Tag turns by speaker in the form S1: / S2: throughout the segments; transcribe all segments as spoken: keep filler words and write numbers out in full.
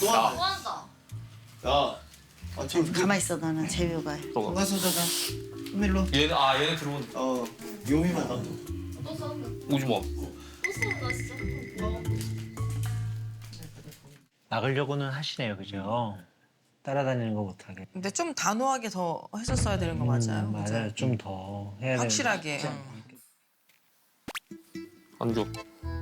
S1: 좋아한다.
S2: 야, 아, 지금
S3: 가만 있어 너는 재료가.
S2: 가서 자자. 일로.
S4: 얘는 아 얘는 들어온.
S2: 어, 요미만 놔둬.
S1: 또 싸운다.
S4: 오지 마.
S1: 또 싸운다 진짜. 어.
S5: 막으려고는 하시네요, 그죠? 따라다니는 거 못하게.
S6: 근데 좀 단호하게 더 했었어야 되는 거 맞아요?
S5: 음,
S6: 그죠?
S5: 맞아요. 좀 더 해야 돼요.
S6: 확실하게. 응.
S4: 안 줘.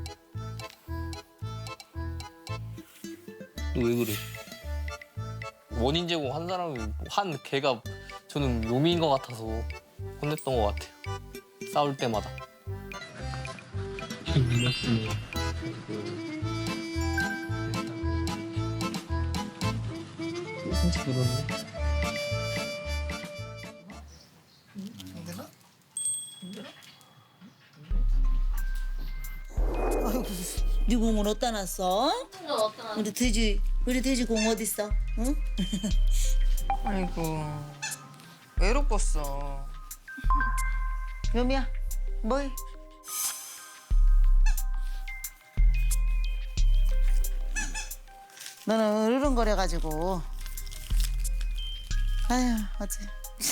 S4: 왜 그래? 원인 제공 한 사람이 한 걔가 저는 묘미인 것 같아서 혼냈던 것 같아요. 싸울 때마다. 진짜 그러네.
S3: 네 공은 어디다 놨어?
S1: 진짜 어떤
S3: 우리 돼지 우리 돼지 공 어디 있어? 응?
S6: 아이고. 외롭겠어.
S3: 요미야, 뭐해? 너는 으르렁거려가지고. 아휴 어째.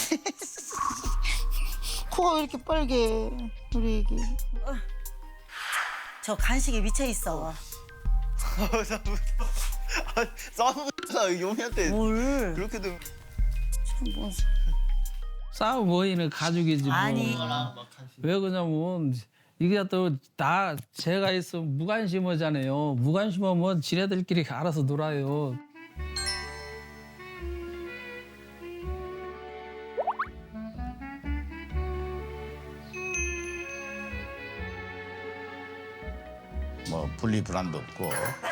S3: 코가 왜 이렇게 빨개? 우리 애기. 어. 저 간식에 미쳐 있어.
S2: 싸우잖아, 요미한테.
S3: 뭘?
S2: 그렇게도.
S3: 참 뭐.
S7: 싸우 모이는 가족이지 뭐.
S3: 아니.
S7: 왜 그러냐면 이게 또 다 제가 있으면 무관심하잖아요. 무관심하면 지네들끼리 알아서 놀아요.
S8: 뭐 분리불안도 없고.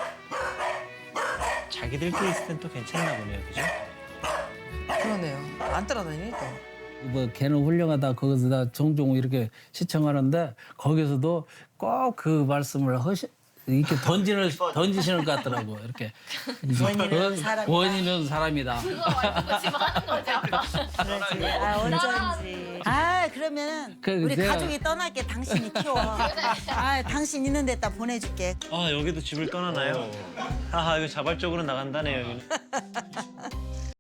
S5: 자기들끼리 있을 땐 또 괜찮나 보네요, 그죠?
S6: 그러네요. 안 따라다니네 또.
S7: 뭐 걔는 훌륭하다 거기서 다 종종 이렇게 시청하는데 거기서도 꼭 그 말씀을 하시 이렇게 던지는 던지시는 것 같더라고 이렇게.
S3: 원인은 사람이다.
S7: 원인은 사람이다.
S1: 그거 말고 지금 하는 거지 아까.
S3: 그렇지. 아 어쩐지. 아 그러면
S7: 그,
S3: 우리
S7: 내가-
S3: 가족이 떠날게 당신이 키워. 아 당신 있는 데다 보내줄게.
S5: 아, 여기도 집을 떠나나요? 아, 이거 자발적으로 나간다네요, 여기는.